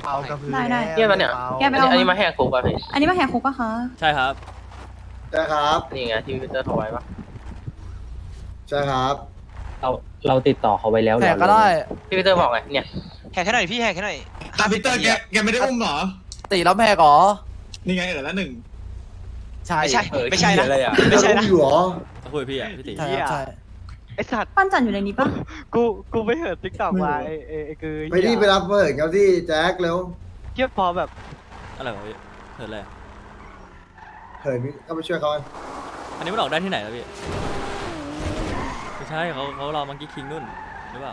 เปากระพือได้เนี่ยมันเนี่ยแกไปเอาอันนี้มาแหกคุกป่ะพี่อันนี้มาแหกคุกปะคะใช่ครับใช่ครับนี่ไงที่พี่เตอร์โทรไว้ปะใช่ครับเราติดต่อเขาไว้แล้วแหกก็ได้ที่พี่เตอร์บอกไงเนี่ยแหกแค่หน่อยพี่แหกแค่หน่อยตาพีเตอร์แกไม่ได้อุ้มเหรอตีแล้วแหกเหรอนี่ไงละหนึ่งใช่ไม่ใช่ไม่ใช่นะไม่ใช่นะอยู่หรอเขาคุยกับพี่อ่ะพี่ตีใช่ครับใช่ไอสัตว์ปั้นจันอยู่ในนี้ปะกูไปเหินติ๊กต็อกมาไอ้คือไปที่ไปรับเปิดครับที่แจ็คเร็วเทียบพอแบบอะไรวะพี่เหินอะไรเฮ้ยเข้าไปช่วยเขาอันนี้มันออกได้ที่ไหนแล้วพี่ไม่ใช่เขารอมังกี้คิงนู่นหรือเปล่า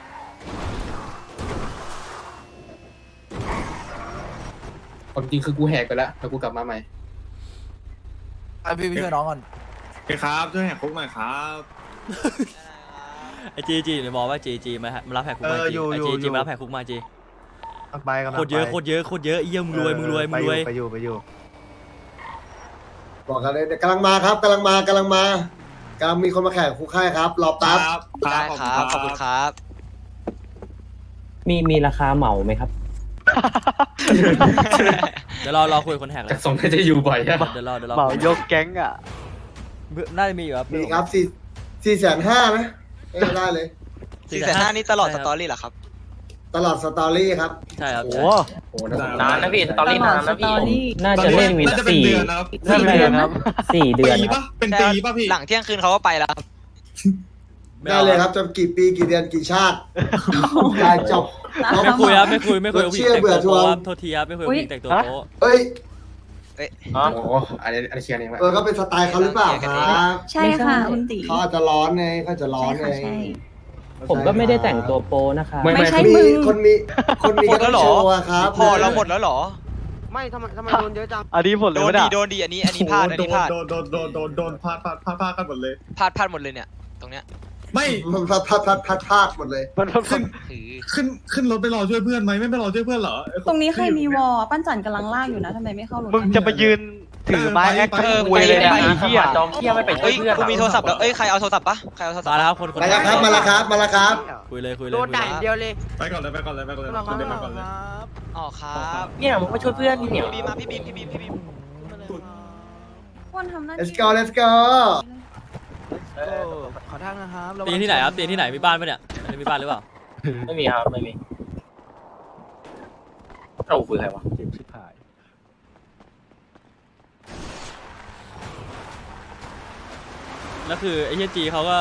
ความจริงคือกูแหกไปแล้วแล้วกูกลับมาใหม่ไอพี่ช่วยน้องก่อนโอเคครับช่วยแหกคุกหน่อยครับไอจีเนี่ยบอกว่าจีมารับแหกคุกมาจีไอจีมารับแหกคุกมาจีไปกันโคตรเยอะเยี่ยมรวยมึงรวยไปอยู่บอกกันเลยกำลังมากำลังมีคนมาแข่งคุกค่ายครับรอแป๊บได้ครับขอบคุณครับมีราคาเหมาไหมครับเดี๋ยวรอคุยคนแหกเลยแต่สงน่าจะอยู่บ่อยอะเดี๋ยวรอเหมายกแก๊งอ่ะน่าจะมีอยู่ครับมีครับ450,000นะได้เลย 450,000นี่ตลอดสตอรี่เหรอครับตลอดสตอรี่ครับใช่ครับโอ้โอ้นานนะพี่สตอรี่นานนะตพี่อรี่น่าจะเล่นวินน่าจะเป็น 4 เดือนนะครับใช่ไหมครับ 4 เดือนปีครับปะเป็นปีปะพี่หลังเที่ยงคืนเขาก็ไปแล้วครับได้เลยครับจะกี่ปีกี่เดือนกี่ชาติได้จบไม่คุยครับไม่คุยกับผู้หญิงแต่งตัวเชื่อเบื่อทวโป๊งครับโทษทีครับไม่คุยกับผู้หญิงแต่งตัวโป๊เอ้ยอ๋อโอ้อันนี้เชียร์เองไหมก็เป็นสไตล์เขาหรือเปล่าครับใช่ค่ะคุณตีเขาอาจจะร้อนไงเขาจะร้อใช่นไงค่ะใช่ผมก็ไม่ได้แต่งตัวโปนะคะไม่ใช่มีมึงคนมีก็ต้องโชว์อะครับพอเราหมดแล้วเหรอไม่ทำไมโดนเยอะจังอันนี้หมดเลยโดนวะดีเนี่ยโดนดีอันนี้พลาดอันนี้พลาดโดนพลาดกันหมดเลยพลาดหมดเลยเนี่ย ตรงเนี้ยไม่มันพลาดหมดเลยมันถือขึ้นรถไปรอช่วยเพื่อนไหมไม่ไปรอช่วยเพื่อนเหรอตรงนี้ใครมีวอปั้นจันกำลังลากอยู่นะทำไมไม่เข้ารถมึงจะไปยืนถือไม้แอคเออคุยเลยเนี่ยไปไอ้เหี้ยจอมเที่ยไม่ไปช่เฮ้วยยเพื่อนกูมีโทรศัพท์แล้วเอ้ยใครเอาโทรศัพท์ปะใครเอาโทรศัพมาท์แล้วครับคนมาแล้วครับมาแล้วครับคุยเลยโดนด่าอย่างเดียวเลยไปก่อนเลยไปก่อนเลยไปก่อนเลยไปก่อนเลยอ๋อครับเนี่ยมึงมาช่วยเพื่อนนี่เนี่ยพี่บีมมาพี่บีมควรทำหน้า let's go let's go ขอทางนะครับตีที่ไหนครับตีที่ไหนมีบ้านปะเนี่ยอันนี้มีบ้านหรือเปล่าไม่มีครับไม่มีเราคุยใครวะแล้วคือไอ้เฮียจีเขาก็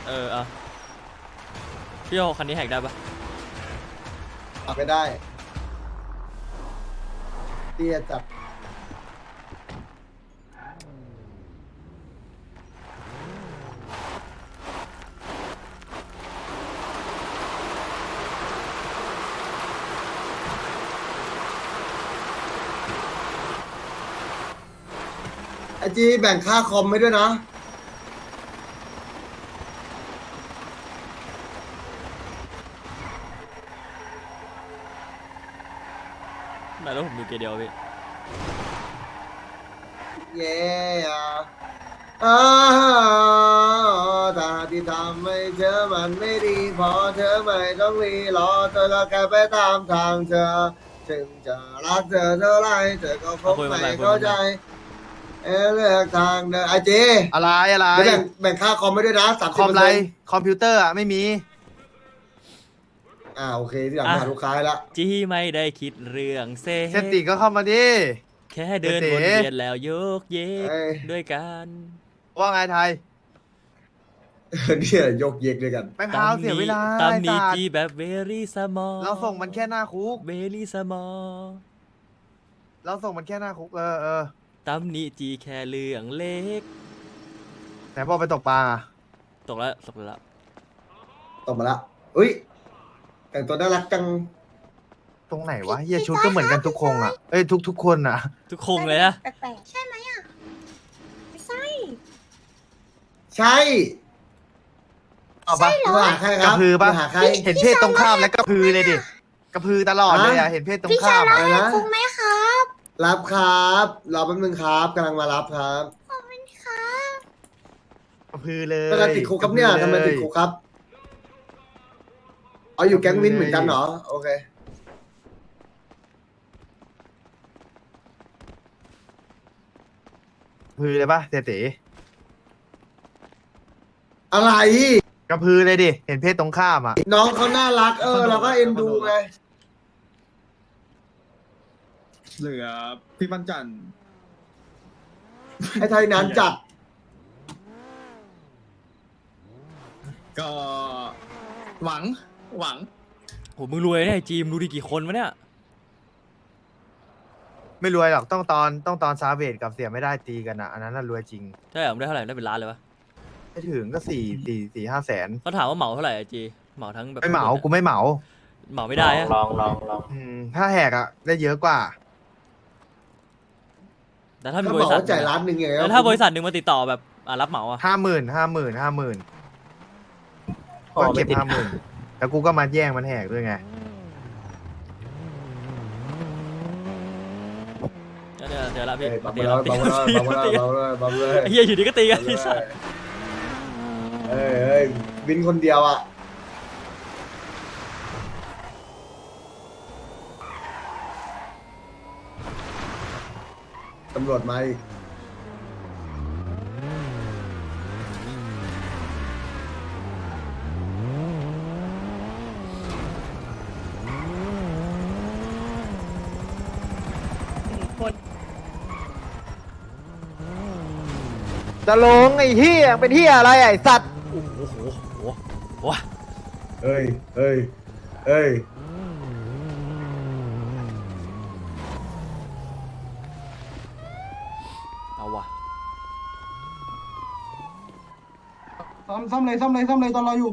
พี่โอคันนี้แหกได้ปะเอาไปได้เตี้ยจัดไอจีแบ่งค่าคอมให้ด้วยนะไหนแล้วผมดูเกเดียวพี่เย้ถ้าที่ทำให้เธอมันไม่ดีพอเธอไม่ต้องรีรอเธอแล้วแค่ไปตามทางเธอถึงจะรักเธอเท่าไรเธอก็คงไม่เข้าใจเลือกทางเดินไอเจอะไรแบ่งค่าคอมไม่ด้วยนะ30% คอมไรคอมพิวเตอร์อ่ะไม่มีโอเคที่หลังหาลูกค้าละจีไม่ได้คิดเรื่องเซเซติก็เข้ามาดิแค่เดินวนเวียนแล้วโยกเยกเอ้ยด้วยกันว่าไงไทยเนี่ยยกเยกด้วยกันไปพาวเสียเวลาตามไอ้นี้สัตจีว์แบบเวลี่สมอลเราส่งมันแค่หน้าคุกเวลี่สมอลเราส่งมันแค่หน้าคุกตามนี้จีแค่เรื่องเล็กไหนบอกไปตกปลาตกแล้วตบมาละอุ้ยแต่งตัวน่ารักจังตรงไหนวะเฮียชุดก็เหมือนกันทุกคงอ่ะเอ้ยทุกคนอ่ะทุกคงเลยนะแปลกๆใช่ไหมอ่ะไม่ใช่ใช่เอาปะมาหาใครคกรัระบพือปะมาหาใครเห็นเพศตรงข้ามแล้วกระพือเลยดิกระพือตลอดเลยอ่ะเห็นเพศตรงข้ามอะไรอ่ะนะคุ้มไหมครับรับครับรอแป๊บนึงครับกำลังมารับครับขอบคุณครับกระพือเลยทำไมติดคุกครับเนี่ยทำไมติดคุกครับเอาอยู่แก๊งวินเหมือนกันเหรอโอเคพือเลยปะเต๋อะไรกระพือเลยดิเห็นเพศตรงข้ามอ่ะน้องเขาน่ารักเราก็เอ็นดูไงเหลือพี่ปันจันทร์ไอ้ไทยนั้นจัดก็หวังโหมึงรวยเนี่ยไอ้จีมดูดิกี่คนวะเนี่ยไม่รวยหรอกต้องตอนซาเวดกับเสียไม่ได้ตีกันอ่ะอันนั้นน่ะรวยจริงใช่เหรอมึงได้เท่าไหร่ได้เป็นล้านเลยวะไม่ถึงก็4 5 แสนเขาถามว่าเหมาเท่าไหร่ไอ้จีเหมาทั้งแบบไม่เหมากูไม่เหมาเหมาไม่ได้อะลองถ้าแหกอ่ะได้เยอะกว่าแต่ถ้ามีถ้าบบอริกษัทว่าจ่ายล้านหนึ่งอย่างเงี้ยแล้วถ้าบริษัทหนึ่งมาติดต่อแบบรับเหมาอะ 50,000ก็เก็บ50,000แล้วกูก็มาแย่งมันแหกด้วยไงเดี๋ยวละพี่บัมตีเลละยตีบัมละเลยบัมเลยบัมเลยไอ้เหี้ยอยู่ดีก็ตีกันที่สัตว์เอ้ยวินคนเดียวอ่ะตำรวจมาอีกจะลงไอ้เฮียเป็นเฮียอะไรไอ้สัตว์โอ้โหเอ้ยเอาวะซ่อมเลยตอนรออยู่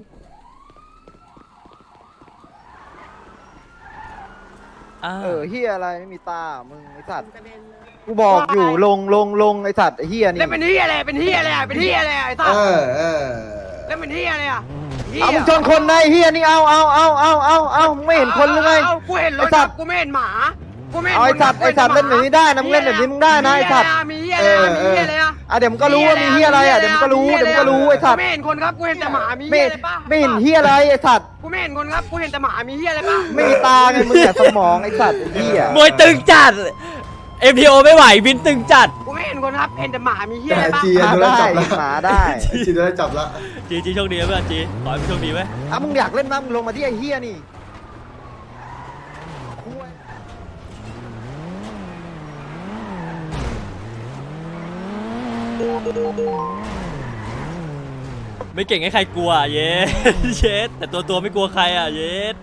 เฮียอะไรไม่มีตามึงไอ้สัตว์กูบอกอยู่ลงไอ้สัตว์ไอ้เฮียนี่แล้วเป็นเฮียอะไรเป็นเฮียอะไรเป็นเฮียอะไรไอ้สัตว์แล้วเป็นเฮียอะไรอ่ะเอามึงชนคนในเฮียนี่เอาไม่เห็นคนหรือไงกูเห็นรถจับกูไม่เห็นหมากูไม่เห็นไอ้สัตว์เล่นแบบนี้ได้นะมึงเล่นแบบนี้มึงได้นะไอ้สัตว์มีเฮียอะไรมีเฮียอะไรอ่ะเดี๋ยวมึงก็รู้ว่ามีเฮียอะไรอ่ะเดี๋ยวมึงก็รู้ไอ้สัตว์ไม่เห็นคนครับกูเห็นแต่หมามีเฮียอะไรป่ะไม่เห็นเฮียอะไรไอ้สัตว์กูไม่เห็นคนครับกูเห็นแต่หมามีเฮียอะไรป่ะไม่มีตาไงมึงแต่สมองไอ้สัตว์เฮียมวยตึงจัด MTO ไม่ไหวบินตึงจัดกูไม่เห็นคนครับเห็นแต่หมามีเฮียอะไรป่ะจีโดนจับละหมาได้จีโดนจับละจีโชคดีนะเพื่อนจีขอให้มึงโชคดีไหมอ่ะมึงอยากเล่นมั้ยมึงลงมาที่ไอ้เฮียนี่ไม่เก่งให้ใครกลัวเย็ด เย็ดแต่ตัวไม่กลัวใครอ่ะเย็ด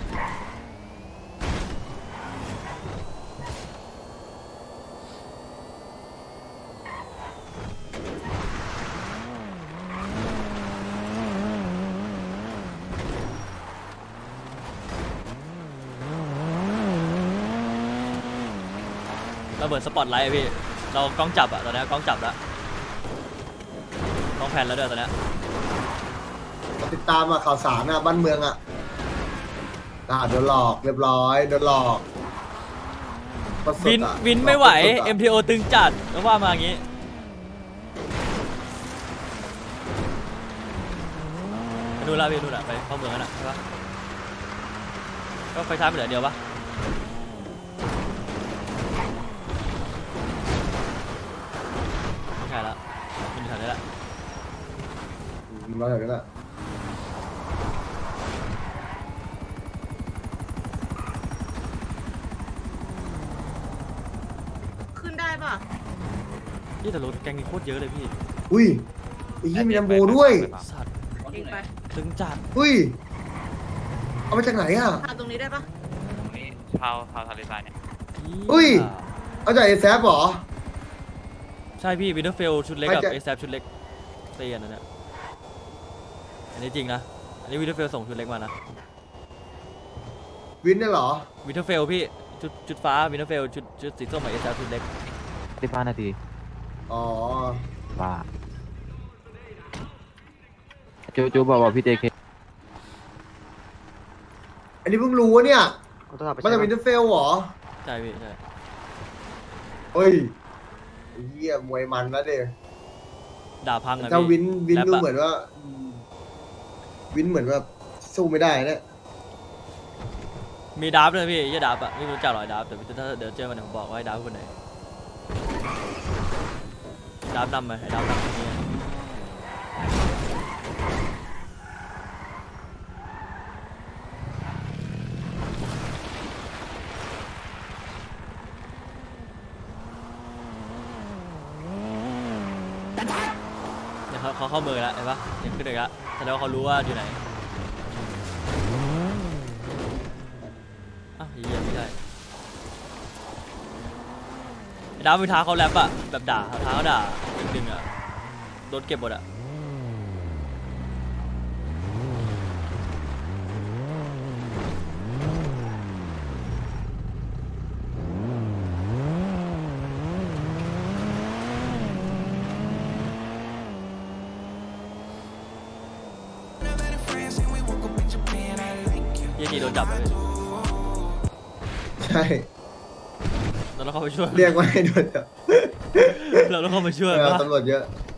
เราเบิดสปอตไลท์อะพี่เรากล้องจับอะตอนนี้กล้องจับแล้วกล้องแผ่นแล้วด้วยตอนนี้ติดตามข่าวสารบ้านเมืองโดนหลอกเรียบร้อยโดนหลอกวินไม่ไหว MTO ตึงจัดก็ว่ามาอย่างงี้ไปดูละพี่ดูละไปเข้าเมืองกันนะใช่ปะก็ไฟท้ายไปเหลือเดียวปะไม่ใช่ละมันอยู่แถวนี้ละรออย่างนั้นแหละขึ้นได้ป่ะนี่แต่รถแกงนี่โคตรเยอะเลยพี่อุ้ยไอ้ยี่มีลำโบด้วยสัตว์เองไปตึงจัดอุ้ยเอามาจากไหนอ่ะทำตรงนี้ได้ป่ะชาวทะเลทรายเนี่ยอุ้ย เอาจากไอ้แซฟเหรอใช่พี่วินเทอร์เฟลชุดเล็กกับไม่จะเอซชุดเล็กเตียนนะเนี่ยอันนี้จริงนะอันนี้วินเทอร์เฟลส่งชุดเล็กมานะวินเนี่ยเหรอวินเทอร์เฟลพี่ชุดฟ้าวินเทอร์เฟลชุดสีส้มกับเอซชุดเล็ก 15 นาทีอ๋อบ้าจูบอกพี่เจเคอันนี้เพิ่งรู้ว่าเนี่ยมาจากวินเทอร์เฟลเหรอใช่พี่ใช่เฮ้ยไอ้เหี้ยมวยมันแล้วเด็ด่าพังอะถ้าพี่วินแรปดูอะเหมือนว่าวินเหมือนว่าสู้ไม่ได้เนี่ยมีดับเลยพี่ยี่ดับอะไม่รู้จักหรอดับแต่ถ้าเดี๋ยวเจอมันผมบอกว่าให้ดับคนไหนดาบนำไปดาบนำเนี่ยเนี่ยเขาเข้าเมืองแล้วเห็นปะยังขึ้นอีกแล้วแสดงว่าเขารู้ว่าอยู่ไหนอ้าวเหี้ยไม่ใช่ดาวไปท้าเขาแรปอะแบบด่าท้าเขาด่าดึงๆอะโดนเก็บหมดอะยี่กี่โดนจับเลยใช่เราต้องเข้าไปช่วยเรียกว่าให้โดนจับเราต้องเข้าไปช่วยเออปะตำรวจเยอะ